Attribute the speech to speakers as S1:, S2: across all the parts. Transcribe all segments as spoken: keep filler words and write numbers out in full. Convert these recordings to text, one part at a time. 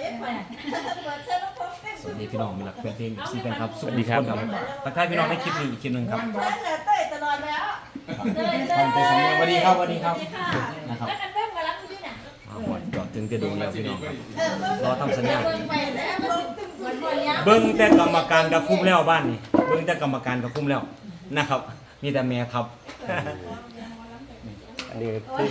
S1: สวัสดีพี่น้องมีหลักแฟนเพลงซีแฟนครับสวัสดีครับทักทายพี่น้องในคลิปหนึ่งอีกคลิปหนึ่งครับ
S2: เต้ยตลอดแล้ว
S1: ทำไปสำเนียงสวัสดีครับสวัสดีครับนะครับ
S2: แล้วกันเริ่มมารับด้วยนะ
S1: เอาหมดจอดถึงจะดูแล้วพี่น้องครับรอทำสัญญาณ
S2: เบิ่งไปแล้วมันมันบ่ยาว
S1: เบิ้งแต่กรรมการกับคุ้มแล้วบ้านนี่เบิ้งแต่กรรมการกับคุ้มแล้วนะครับมีแต่แม่ครับอันนี้คือ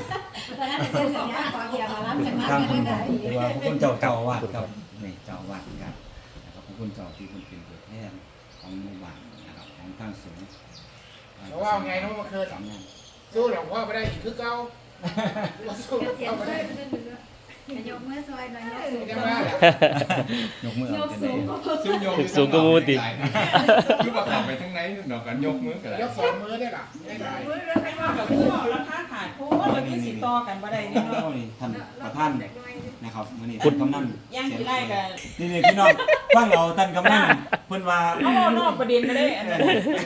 S1: ทางคุณหรือว่าคุณเจ้าเจ้าอาวาสครับ
S3: นี่เจ้าอาวาสครับนะครับของคุณเจ้าที่คุณเป็นตัวแทนของหมู่บ้านนะครับของทางสงฆ์
S4: เพราะว่าไงน้องมาเคย
S3: สำนัก
S4: สู้หลวงพ่อไม่ได้อีกคือเก่าสู้หลวงพ่อไม่ได้
S2: ยกมือซอยหน่อย
S4: ใช่ไหม
S3: ยกมือเอาจะได้
S5: ซึ่งโยม
S1: สูงกว่ามูติ
S5: คือว่าขับไปทั้งไหนดอกกันยกมือกัน
S4: ยกสองมือได้หรอได้ไหม
S6: มือแล้วใครว่ากับผู้บอกราคาขาดเพราะว่าเราที่สิต่อกันบ่ได้นี่เนาะ
S3: นี่ท่านประธานนะครับมื้อนี้ท่านกำนัน
S6: ย่างกี่ไร่กัน
S1: นี่นี่พี่น้องฟังเราท่านกำนันเพิ่นว่า
S6: เอานอกประเด็นก็ได้อันนั้น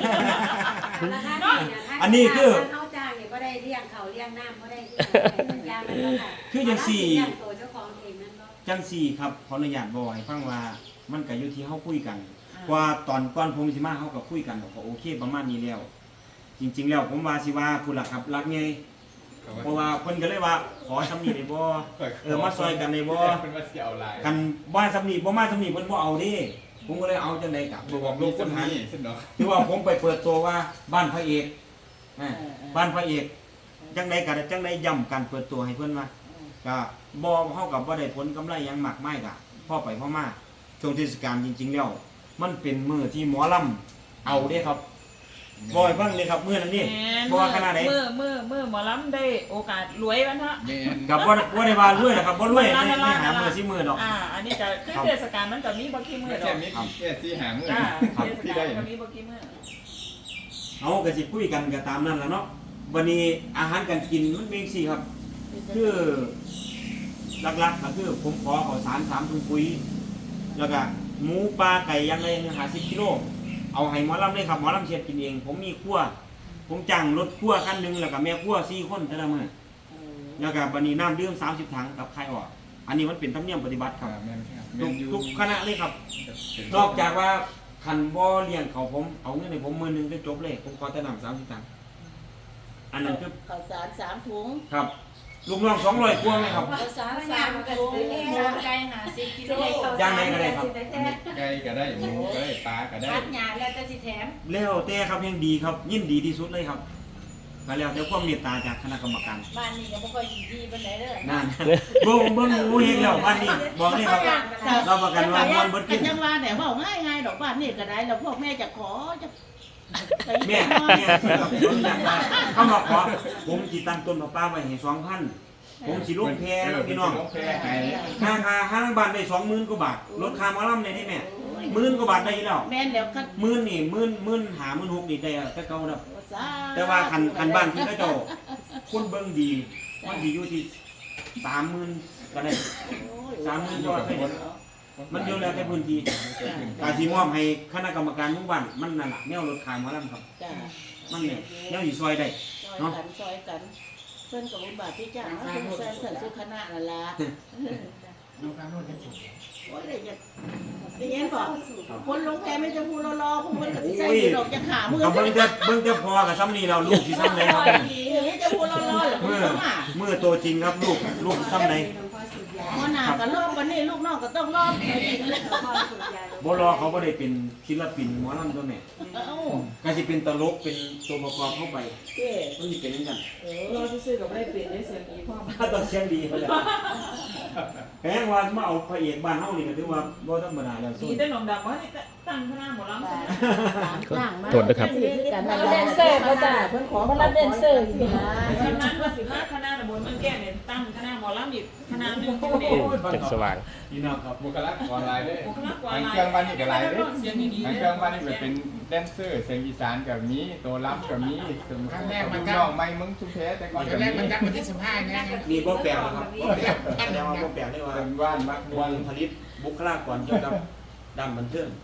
S1: อันนี้คือ
S2: เขาจ้างเนี่ยก็ได้เลี้ยงเขาเลี้ยงน้ำก็ได้ยางมันก็ค่ะ
S1: คือจังสี่
S2: เลี้ยงตัวเจ้าของเองนั่นก็
S1: จังสี่ครับขออนุญาตบอกให้ฟังว่ามันก็อยู่ที่เฮาคุยกันว่าตอนก่อนผมสิมาเฮาก็คุยกันก็โอเคประมาณนี้แล้ว จริง ๆ แล้วผมว่าสิว่าผู้หลักครับรักไงเพราะว่าเพิ่นก็เลยว่าขอสำนีได้บ่เออมาซอยกันได้บ่
S5: เป็นว่าเสียเอาลาย
S1: กันบ่สำนีบ่มาสำนีเพิ่นบ่เอาเด้ผมก็เลยเอาจังได๋กับบอกลูกคนหา
S5: สิเนาะ
S1: คือว่าผมไปเปิดตัวว่าบ้านพระเอกอ่าบ้านพระเอกจังไดก็จังไดย้ำการเปิดตัวให้เพิ่นว่าก็บ่เฮากับบ่ได้ผลกำไรหยังมากมายก็พอไปพอมาช่วงเทศกาลจริงๆแล้วมันเป็นมื้อที่หมอลำเอาเด้ครับบ่ให้ฟังเลยครับมื้อนั้นนี่บ่ว่าขนาดใด
S6: มือมือมือหมอลำได้โอกาสรวยวันฮะ
S5: แม่น
S1: กับบ่บ่ได้ว่ารวยนะครับบ่รวยในในหามื้อสิมื้อดอก
S6: อ่าอันนี้ก็คือเทศกาลมันก็มีบ่กี่มื้อ
S5: ไม่
S6: ด
S5: ใช่
S6: อก
S5: มิตรแค่ที่หางมือ
S6: อ่า
S5: ครับ
S6: เทศ
S5: ที่
S6: กา
S5: ได้
S6: ลก็มีบ่กี่มื้อ
S1: เอาก็สิคุยกันก็ตามนั้นล่ะเนาะวันนี้อาหารการกินมันเป็นจังซี่ครับ คือหลักๆก็คือผมขอข้าวสารสามถุงปุ๋ยแล้วก็หมูปลาไก่อยังไรหาสิบกิโลเอาให้หมอลำเลยครับหมอลำเชียดกินเองผมมีครัวผมจ้างรถครัวคันหนึงแล้วก็แม่ครัวสี่คนแต่ละมื้อแล้วก็บัดนี้น้ำดื่มสามสิบถังกับไข่ออกอันนี้มันเป็นธรรมเนียมปฏิบัติครับ
S5: แม่นครับ
S1: ทุกทุกคณะเลยครับนอกจากว่าคันบ่เลี้ยงเขาผมเอาเงินให้ผมมื้อหนึงก็จบเลยผมขอแต่น้ำสามสิบถังอันนั้นคือ
S7: ข้าวสารสามถุง
S1: ครับลูกน้องสองร้อยกว่าไหมครับ
S7: ข้าวสาร
S2: สา
S7: สาม
S2: ม
S7: ถุง
S2: หมูไก่หาสิบกิโล
S1: ย่างไหนก็ได้ครับ
S5: ไก่ก็ได้หมูก็ได้ปลาก็ได้
S2: พัดหยาแล้วแต่สิแถม
S1: แล้วแต่ครับยังดีครับยิ่งดีที่สุดเลยครับก็แล้วแต่ความเมตตาจากคณะกรรมการ
S2: บ้านนี้ก็บ่ค่อยสิดีปานใดเด้อ
S1: นั่นเบิ่งเบิ่งงูเฮงแล้วบ้านนี้บอกเลยครับเราประกันว่ามันเบิด
S7: กั
S1: ขึ้
S7: น
S1: น
S7: จังว่าแต่ว่าง่ายง่ายดอกบ้านนี่ก็ได้แล้วพวกแม่จะขอจะ
S1: แม่แม่ครับผมอยากได้เขามาขอผมสิตั้งต้นมาป้าไว้ให้สองพันผมสิลงแพแล้วพี่น้อง
S5: ลงแพให้
S1: ค่าค่าห้างบ้านได้สองหมื่นกว่าบาทลดค่าหมอลำได้นี่แม่หมื่นกว่าบาทได้อยู่แล้ว
S7: แม่เดี๋ยวก็
S1: หมื่นนี่หมื่นหมื่นหาหมื่นหกนี่ได้แต่เก่าแล้ว
S7: สา
S1: แต่ว่าคันคันบ้านที่เขาเจ้าคนเบิ่งดีมันสิอยู่ที่สามหมื่นก็ได้สามหมื่นก็ได้มันอยู่แล้วแต่พื้นที่การที่มอบให้คณะกรรมการหมู่บ้านมันนั่นแหละแนวรถขายหมอลำครับ
S7: จ้า
S1: มันเนี่ยแนวสิซอยได้
S7: ซอยกันซอยกันเพื่อนกับบุญบาทที่จ้างเขาเป็นแซนสันสุขนานั่นละ
S4: น้องข้างโน้นยังสุด
S7: โอ้ยเดี๋ยวจะได้ยินบอกคนลงแพไม่จะพูดรอๆพวกมันก็ใส่ดอกจะขามือ
S1: กับเบิ่งแต่เบิ่งแต่พอกับซ้ำนี่เราลูกสิซ้ำไหนครับ
S7: นี่จะพูดรอๆหรือ
S1: เมื่อ
S7: เปล่า
S1: เมื่อตัวจริงครับลูกลูกซ้ำไหน
S7: พ่อหน้าก็รอบวันนี้ลูกน้องก็ต้องรอบไปอีกแล้ว
S1: บ่รอเขาบ่ได้เป็นศิลปินหมอลำตัวแม่
S7: เอ้า
S1: ก็สิเป็นตลกเป็นตัวประกอบเข้าไป
S7: เจ้
S1: มันสิเป็นจังซั่น
S7: เอ
S6: เรา
S7: อ
S6: ซื้อกับได้เปลี่ยนได้เสียงอีพ่อ
S1: ถ้าต้องเสียงดีเขาแหละแพงว่ามาเอาพระเอกบ้านเฮานี่ก็ถือว่าบ่ธรรมดาแล้ว
S6: ดี
S1: สู้
S6: แต่หนองดำว่าที่ตั้งคณะหมอลำใช่ไหม
S7: โทษนะครับมารับแดนเซอร์เขาจ้าเพิ่นขอมารับแดนเซอร์สิ
S6: คณะว่าสิมาคณะตำบลเมืองแก่เนี่ยตั้งคณะหมอลำอีกคณะหนึงอยู่นี่
S1: จังสว่างพี่น้องครับ
S5: บุคลากรหลายเด้
S6: บุคลากร
S5: ทาง
S6: หลาย
S5: เครื่องบ้านนี่ก็หลายเด้
S6: เสียงดีๆ
S5: ทางเครื่องบ้านนี่ก็เป็นแดนเซอร์เสียงอีสานก็มีตัวรับก็มีสมครั้งแรกมันน้องไม่มึงสุเพแต่ก่อน
S4: ตอ
S5: ก็
S4: นแร
S5: มี
S4: กมันจัดวันที่สิบห้าไง
S1: มีบ่แปลกนะครับบ่แปลกแต่ว่าบ่แปลกได้ว่า
S5: เป็นว่านมักม
S1: ว
S5: วน
S1: งผลิตบุคลากรเกี่ยวกับด้านบันเทิง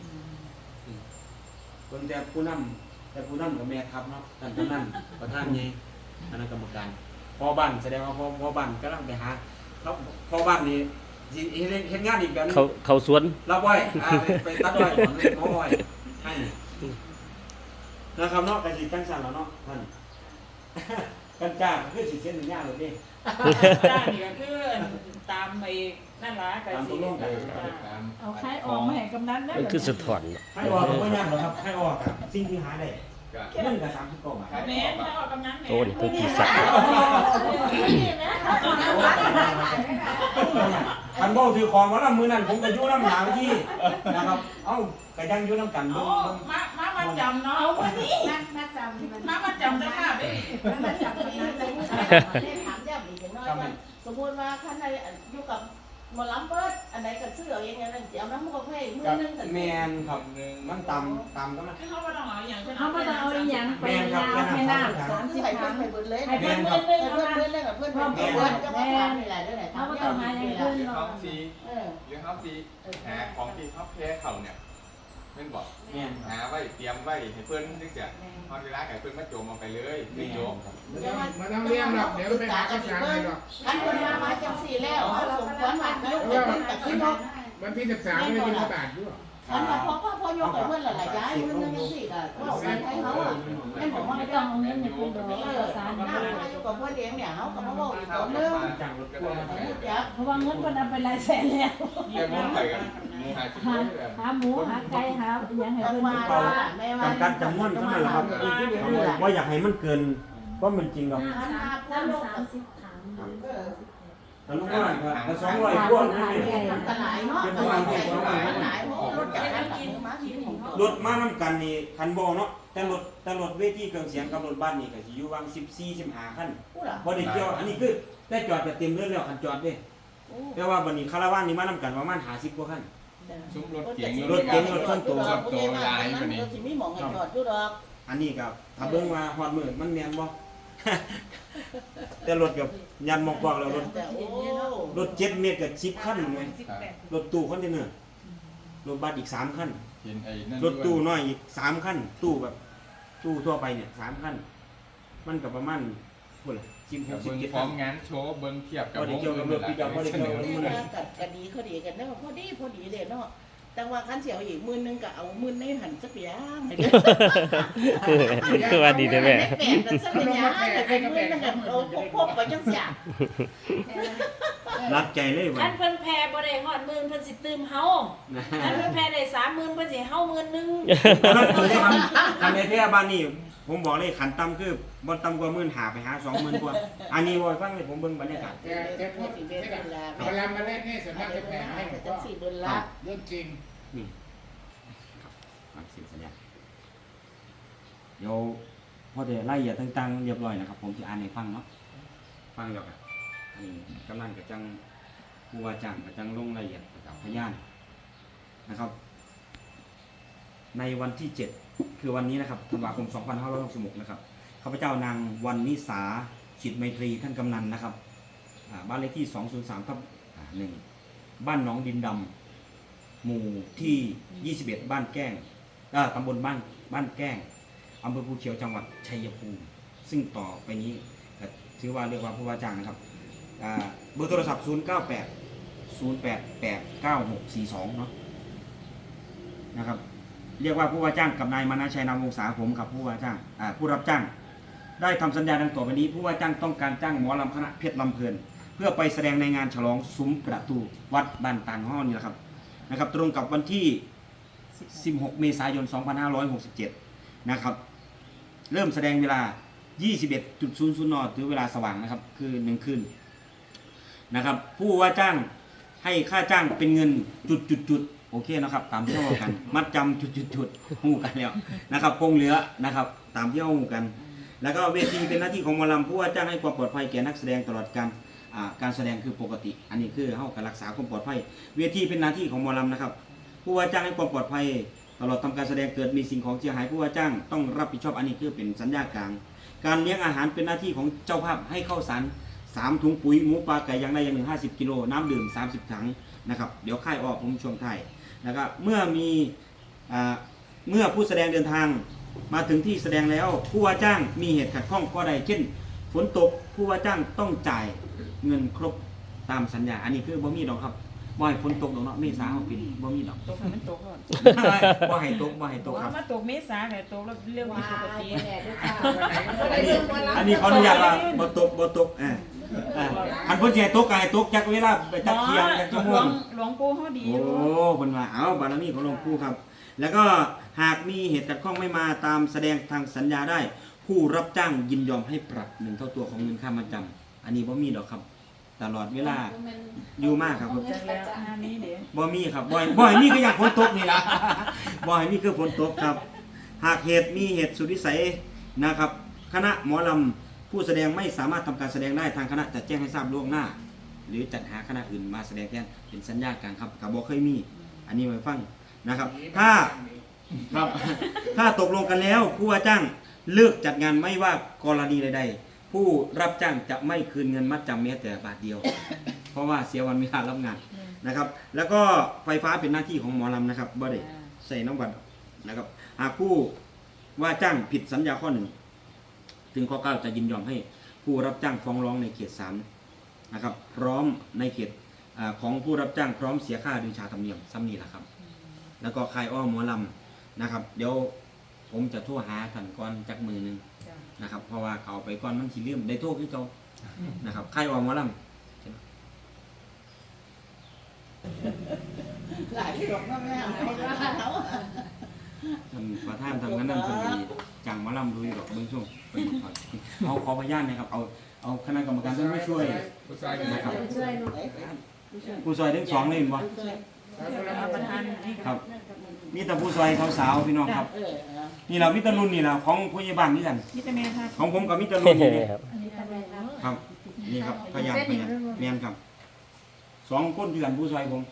S1: คนแต่ผู้นำแต่ผู้นำกับแม่ทัพเนาะท่านกำนันประธานใหญ่คณะกรรมการพ่อบ้านแสดงว่าพ่อพ่อบ้านกำลังไปหาแล้วพ่อบ้านนี่สิเฮ็ดเฮ็ดงานอีกแบบนึง
S8: เขาเขาสวน
S1: รับไว้อ่าไปไปตัดไว้หมอไว้ให้นะครับเนาะก็สิจังซั่นแล้วเนาะท่าน กันจ้าก็คือสิเซ็นสัญญาเลยเด้
S6: จ้านี่ก็คือตามไปนั่นล่ะก็สิ
S5: เออตาม
S7: เอาใครออกมาให้กำนันได้
S8: มันคือสะท้อน
S1: ให้ออกบ่ยากหรอกครับให้ออกครับสิ่งที่หาได้
S5: ก็
S1: เงินก็สามสิบกว่าบาท
S6: แม่ถ้าออกกำนันแม่
S8: โอ้นี่คือขี้สัก
S1: คันบ่ถือของมานํมื้อนั้นผมก็อยู่นำหาที่นะครับเอ้าก็ยังอยู่นำกัน
S6: โอ้
S1: เบิ่ง
S6: มามามาจำเนาะเอาวันนี้
S2: นักนักจำมัน
S6: มามาจำเจ้าภาพเด้
S2: นักจำมันนั้นเลย
S7: ถามย้ำอีกน้อยว่าสมมติว่าท่านใดอยู่กับหมอลำเบิดอันไหนก็ซื้อเอาเองอย่างนั้นสิเอาน้ำมันก็ให้มือนึงสัน
S1: แม่นครับมันต่ำต่ำก็มัน
S6: เขาบ่ต้องเอาอย่าง
S2: เขาไม่ต้องเอาอีหยังไปยาให้น้ำสามสิบ
S7: ให้
S2: ค
S7: เพื่อ
S2: รั้
S7: น
S2: ง
S7: ไปเบิดเลย
S2: ให้
S7: ให้
S2: เพื่
S7: เพื่
S2: อ
S7: อน น
S2: เพื่
S7: เพื่
S2: อ
S7: อน น
S2: เพื่
S7: เพื่
S2: อ
S7: อน นเพื่อนเพื่อนเพื่อนก็มาถามนี่แหละด้วยไหน
S2: เขาไม่ต้องหาอย่างอื่น
S5: หรือ
S2: เนาะ
S5: เฮาซี
S7: เออ
S5: หรือเฮาซีหาของที่เขาแพ้เขาเนี่ยแม่นบอก
S1: แม่นครับ
S5: หาไว้เตรียมไว้ให้เพิ่นจังซี่พอเวลาให้เพิ่นมาโจมเอาไปเลยไม่โจม
S4: มาต้องเลี้ยงหรอกเดี๋ยวไปหาข้าวสารให้หรอก
S7: ท่านคนมามาจังสี่แล้วเขาสมควรมาเยอะแต่แต่ขึ้นรถ
S4: วันที่สิบสามไม่ได้กินข้าวบาทด้วย
S7: ท่านมาพอพ่อพ่อยกไปเพื่อนหลายย้ายเพื่อนนึงยังสี่ก็บอกให้เขาอ่ะให้ผมว่า
S2: ไม่
S7: ไม่
S2: ต้
S7: ต้
S2: อ
S7: อง ง
S2: เอาเงินให้คุณดอก
S7: เออ
S2: สาร
S7: หน้ามาอยู่กับเพื่อนเลี้ยงเนี่ยเขาก็มาบอกอีกคนนึง
S1: จังรถพ่วง
S7: ยัก
S2: เพราะว่าเงินมันเอาไปหลายแสนแล้ว
S5: แต่หมูไปกันหมูหาสิบ
S2: หา
S5: เลย
S2: หาหมูหาไก่หาอหยังให้
S7: จัง
S2: เพิ่น
S7: หวะ
S2: กิน
S7: ว่าแม่ว่า
S1: จำกัดจำนวนเท่านั้นแหละครับว่าอยากให้มันเกินก็มันจริงหรอก
S2: น้ำสามสามสิบถัง
S1: แต่ลูกว่าก็สองร้อยกว่านี่
S7: ตลาดเนาะตลาดใหญ่ตลาดหลายรถจากนั้นกินมากินของ
S1: รถมานำกันนี่คันบ่เนาะแต่รถแต่รถเวทีเครื่องเสียงกับรถบ้านนี่ก็สิอยู่วางสิบสี่ สิบห้าคัน
S7: ผู้หล่ะ
S1: บ่ได้เกี่ยวอันนี้คือได้จอดก็เต็มเรื่องแล้วคันจอดเด้แต่ว่าบัดนี้คาราวานนี่มานำกันประมาณห้าสิบกว่าคัน
S5: ซุ้มรถเก๋ง
S1: รถเก๋งรถส่วนตัว
S5: รถโตหลายกว่านี้
S7: สิมีหมองให้จอดอยู่ดอก
S1: อันนี้ก็ถ้าเบิ่งว่าฮอดมื้อมันแม่นบ่ แต่รถกับยันหมอกกวากแล้วรถ
S7: แต่โอ้
S1: รถเจ็ดเมตรกับสิบคันไงรถตู้คอนเทนเนอร์รถบัสอีกสามคัน
S5: เห็นไอ้นั่น
S1: รถตู้น้อยอีกสามคันตู้แบบตู้ทั่วไปเนี่ยสามคันมันกับประมาณพุ่นล่ะสิบห
S5: กับ
S1: กสิบ
S5: เบิ้ง
S1: เจ็ด
S5: พร้
S1: คั
S5: อน มงานโชว์เบิ้งเทียบกับ
S1: บ่ได้เกี่ยวกับรถปิกอัพบ่ได้เกี่ยวกับ
S7: นี่นะกับกะดีเขาดีกันเนาะพอดีพอดีเด้เนาะแต่ว่าคันเสียวอีกมื้อนึงก็เอามื้อในหันสักอย่างให้เด้อ
S8: คือว่าดีได้แม่
S7: แปดนั่นสักอย่างแต่เป็นมื้อนึงก็เอาพกๆไปจังซี่
S1: รักใจเลยว่ะ
S2: คันเพิ่นแพ้บ่ได้ฮอดหมื่นเพิ่นสิตื่มเฮา
S1: นะ
S2: คันเพิ่นแพ้ได้สามหมื่นเพิ่นสิเฮาหมื่นหนึง
S1: นั่นคือคันคันในแท้บ้านนี้ผมบอกเลยขันต่ำคือบ่ต่ำกว่าหมื่นหาไปหาสองหมื่นกว่าอันนี้บ่ฟังเลยผมเบิ่งบรรยากาศ
S4: แต่แต่พูดเวลามาเล่นนี่ส่วนมากจะแพ้ให้หลวง
S7: จั
S4: พ่
S7: ง
S4: อ
S7: สี่เดือนละ
S4: เรื่องจริง
S1: นี่ฟังเสียงสัญญาณเดี๋ยวพอได้รายละเอียดต่างๆเรียบร้อยนะครับ ผมจะอ่านให้ฟังเนาะฟังแล้วกันอันนี้กำลังกับจังผู้ว่าจ้างกับจังลงรายละเอียดกับพยานนะครับ ในวันที่เจ็ดคือวันนี้นะครับธันวาคมสองพันห้าร้อยหกสิบหกนะครับข้าพเจ้านางวันนิสาจิตไมตรีท่านกำนันนะครับอ่าบ้านเลขที่สองศูนย์สามทับหนึ่งบ้านหนองดินดำหมู่ที่ยี่สิบเอ็ดบ้านแก้งอ่าตำบลบ้านบ้านแก้งอำเภอภูเขียวจังหวัดชัยภูมิซึ่งต่อไปนี้ก็ถือว่าเรียกว่าผู้ว่าจ้างนะครับอ่าเบอร์โทรศัพท์ศูนย์เก้าแปดศูนย์แปดแปดเก้าหกสี่สองเนาะนะครับเรียกว่าผู้ว่าจ้างกับนายมานะชัยนามวงศาผมกับผู้ว่าจ้างอ่าผู้รับจ้างได้ทำสัญญาดังต่อไปนี้ผู้ว่าจ้างต้องการจ้างหมอลำคณะเพชรลำเพลินเพื่อไปแสดงในงานฉลองซุ้มประตูวัดบ้านตางห้อนี่แหละครับนะครับตรงกับวันที่สิบหกเมษายนสองพันห้าร้อยหกสิบเจ็ดนะครับเริ่มแสดงเวลา ยี่สิบเอ็ดจุดศูนย์ศูนย์ นหรือเวลาสว่างนะครับคือหนึ่งคืนนะครับผู้ว่าจ้างให้ค่าจ้างเป็นเงินจุดจุดจุดโอเคนะครับตามที่เรากันมัดจำจุดจุดจุดหูกันแล้วนะครับคงเหลือนะครับตามที่เราหูกัน แล้วก็เวทีเป็นหน้าที่ของหมอลำผู้ว่าจ้างให้ความปลอดภัยแก่นักแสดงตลอดการอ่าการแสดงคือปกติ อันนี้คือเข้าการรักษาความปลอดภัยเวทีเป็นหน้าที่ของหมอลำนะครับผู้ว่าจ้างให้ความปลอดภัยตลอดทำการแสดงเกิดมีสิ่งของเสียหายผู้ว่าจ้างต้องรับผิดชอบอันนี้คือเป็นสัญญากลางการเลี้ยงอาหารเป็นหน้าที่ของเจ้าภาพให้เข้าสารสามถุงปุ๋ยหมูปลาไก่อย่างใดอย่างหนึ่งห้าสิบกิโลน้ำดื่มสามสิบถังนะครับเดี๋ยวค่ายออกผมช่วงท้ายนะครับเมื่อมีอ่าเมื่อผู้แสดงเดินทางมาถึงที่แสดงแล้วผู้ว่าจ้างมีเหตุขัดข้องข้อใดเช่นฝนตกผู้ว่าจ้างต้องจ่ายเงินครบตามสัญญาอันนี้คือบ่มีดอกครับบ่ให้ฝนตกดอกเนาะเมษาเฮาปีนี้บ่มีดอก
S6: ตกให้มันตกก่อน
S1: บ่ให้ตกบ่ให้ตกครับ
S6: ว่ามาตกเมษาแต่ตกแล้วเรื่อง
S2: ว้า
S6: ผิดปกติ
S2: ยแหละด้วยค่ะ
S1: อันนี้อันนี้ขออนุญาตว่าบ่ตกบ่ตกเออเออคันเพิ่นสิให้ตกก็ให้ตกจักเวลาไปจักเที่ยงจักชั่วโม
S6: หลว
S1: ง
S6: งหลวงปู่เฮาดีอ
S1: โอ้
S6: ยู่
S1: เพิ่นว่าเอาบารมีของหลวงปู่ครับ แล้วก็หากมีเหตุขัดข้องไม่มาตามแสดงทางสัญญาได้ ผู้รับจ้างยินยอมให้ปรับหนึ่งเท่าตัวของเงินค่ามาจำอันนี้บ่มีดอกครับ ตลอดเวลาอยู่มากครับ
S6: จังแล้วงานนี้เด้
S1: บ่มีครับบ่อยบ่อยมีก็อยากฝนตกนี่ล่ะ บ่อยมีคือฝนตกครับ หากเหตุมีเหตุสุดวิสัยนะครับ คณะหมอลำผู้แสดงไม่สามารถทำการแสดงได้ทางคณะจะแจ้งให้ทราบล่วงหน้า หรือจัดหาคณะอื่นมาแสดงแทนเป็นสัญญากันครับกับบ่เคยมี อันนี้ไว้ฟังนะครับ ถ้าครับ ถ้าตกลงกันแล้วผู้ว่าจ้างเลิกจัดงานไม่ว่ากรณีใดๆผู้รับจ้างจะไม่คืนเงินมัดจำแม้แต่บาทเดียว เพราะว่าเสียวันเวลารับงานนะครับ แล้วก็ไฟฟ้าเป็นหน้าที่ของหมอลำนะครับบ่ได้ใส่น้ำบัตรนะครับ หากผู้ว่าจ้างผิดสัญญาข้อหนึ่งถึงข้อเก้าจะยินยอมให้ผู้รับจ้างฟ้องร้องในเขตสามนะครับ พร้อมในเขตอาของผู้รับจ้างพร้อมเสียค่าโดยชาธรรมเนียมซ้ำนี่แหละครับ แล้วก็คายอ้อหมอลำนะครับ เดี๋ยวผมจะโทรหาท่านก่อนจักมือหนึงนะครับ เพราะว่าเขาไปก่อนมันสิลืมได้โทรคือเขานะครับคายอ้อหมอลำ
S7: หลายที่ดอกน้ำแม่ไม่ว่าเขา
S1: ท่านประธานทำงานนั่นเพิ่นดีจังหมาลำดูอยู่ดอกเบื้องช่วงเพิ่นขอเอาขอพยานนะครับเอาเอาคณะกรรมการท่านไม่ช่วย
S5: ผู้ชายกัน
S1: นะครับ
S2: ช่วยเนาะ
S1: ผู้ซอยทั้งสองเลยเห็นบ่
S6: เอาประธานนี่
S1: ครับมีแต่ผู้ซอยสาวๆพี่น้องครับ
S7: เออ
S1: นี่เรามิตรรุ่นนี่แหละของผู้ใหญ่บ้านนี่กัน
S6: มิตรแม่ค่ะ
S1: ของผมกับมิตรรุ่นนี่
S8: ครับ
S6: อันนี้ทำอะไรครับ
S1: ครับนี่ครับพยายามพยายามแม่นครับสองคนเดือนผู้ซอยผม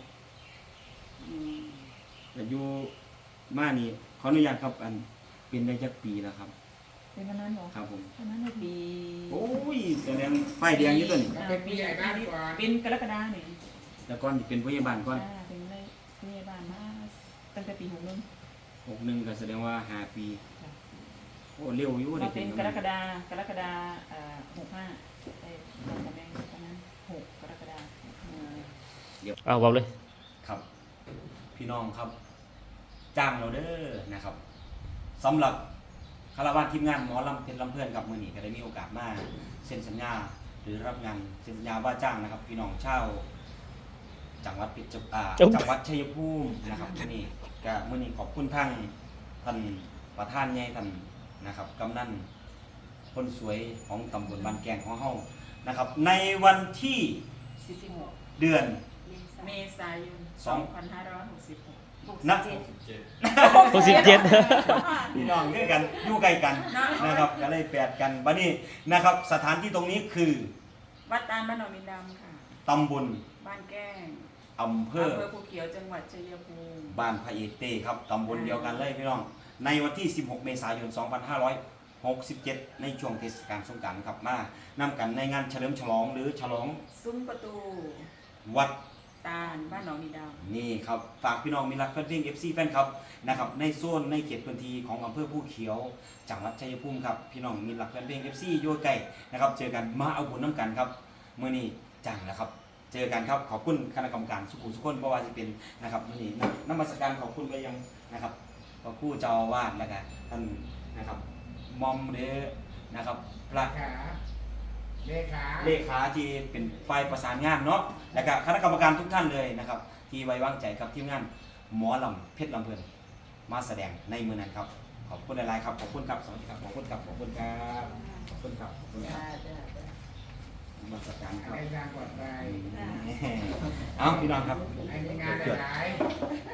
S1: แต่อยู่มานี่ขออนุญาตครับอันเป็นได้จักปีแล้วครับ
S6: เป็นวันนั้นเหรอ
S1: ครับผม
S6: วันนั้นในปี
S1: โอ้ยแสดงป้ายแดงอยู่ตัวนี้
S6: อ่าปีเป็นกรกฎาเนี่ย
S1: แต่ก่อนที่เป็นผู้ใหญ่บ้านก่อน
S6: อ่าเป็นในพยาบาลมาตั้งแต่ปีหกหนึ่ง
S1: หกหนึ่งก็แสดงว่าห้าปีโอ้เร็วอยู่
S6: เรา
S1: ได้
S6: เป็น
S1: น
S6: กรกฎากรกฎาอ่าหกห้าได้ตอนตำแหน่งตอนนั้นหกกรกฎาคม
S8: เอาบอกเลย
S1: ครับ พี่น้องครับ จ้างเราเด้อนะครับสำหรับคารวะทีมงานหมอลำเพชรลำเพื่อนกับมือหนีก็ได้มีโอกาสมาเซ็นสัญญาหรือรับงานเซ็นสัญญาว่าจ้างนะครับ พี่น้องชาวจังหวัดเพชรอ่าจังหวัดชัยภูมินะครับที่นี่ก็มือนี้ขอบคุณทั้งท่านประธานใหญ่ท่านนะครับกำนันคนสวยของตำบลบ้านแกงของเฮานะครับ ในวันที่
S6: สี่สิบหก
S1: เดือน
S6: เมษายน
S1: สอง
S6: สองพันห้าร้อยหกสิบหก
S1: นับ
S8: หกสิบเจ็ด
S1: พี่น้องด้วยกันอยู่ใกล้กันนะครับก็เลยแปดกันบัดนี้นะครับ สถานที่ตรงนี้คือ
S6: วัดตาลบ้านหนองมินดำค่ะ
S1: ตำบล
S6: บ้านแก้ง
S1: อำเภอ
S6: อำเภอภูเขียวจังหวัดชัยภูมิ
S1: บ้านพระเอกเต้ครับตำบลเดียวกันเลยพี่น้องในวันที่ สิบหก เมษายน สองพันห้าร้อยหกสิบเจ็ด ในช่วงเทศกาลสงกรานต์ครับมานำกันในงานเฉลิมฉลองหรือฉลอง
S6: ซุ้มประตู
S1: วัด
S6: ตาลบ้านหนองมินดำ
S1: นี่ครับฝากพี่น้องมีรักแฟนเพลง เอฟ ซี แฟนครับนะครับในโซนในเขตพื้นที่ของอำเภอภูเขียวจังหวัดชัยภูมิครับพี่น้องมีรักแฟนเพลง เอฟ ซี อยู่ใกล้นะครับเจอกันมาเอาบุญน้ำกันครับมื้อนี้จังนะครับเจอกันครับขอบคุณคณะกรรมการสุขุมสุขคนเพราะว่าจะเป็นนะครับมื้อนี้น้ำมัสการขอบคุณไปยังนะครับพระครูเจ้าอาวาสแล้วก็ท่านนะครับมอมเดนะครับพระ
S4: ขาเลขา
S1: เลขาที่เป็นฝ่ายประสานงานเนาะแล้วก็คณะกรรมการทุกท่านเลยนะครับ ที่ไว้วางใจกับทีมงานหมอลำเพชรลำเพลินมาแสดงในมือนั้นครับขอบคุณหลายๆครับขอบคุณครับสวัสดีครับขอบคุณครับขอบคุณครับขอบคุณครับขอบคุณครับ
S7: จ้าจ้า
S1: มาสการครับ
S4: ในงานปลอดภัย
S1: เอาพี่น้องครับ
S4: ในงานหลาย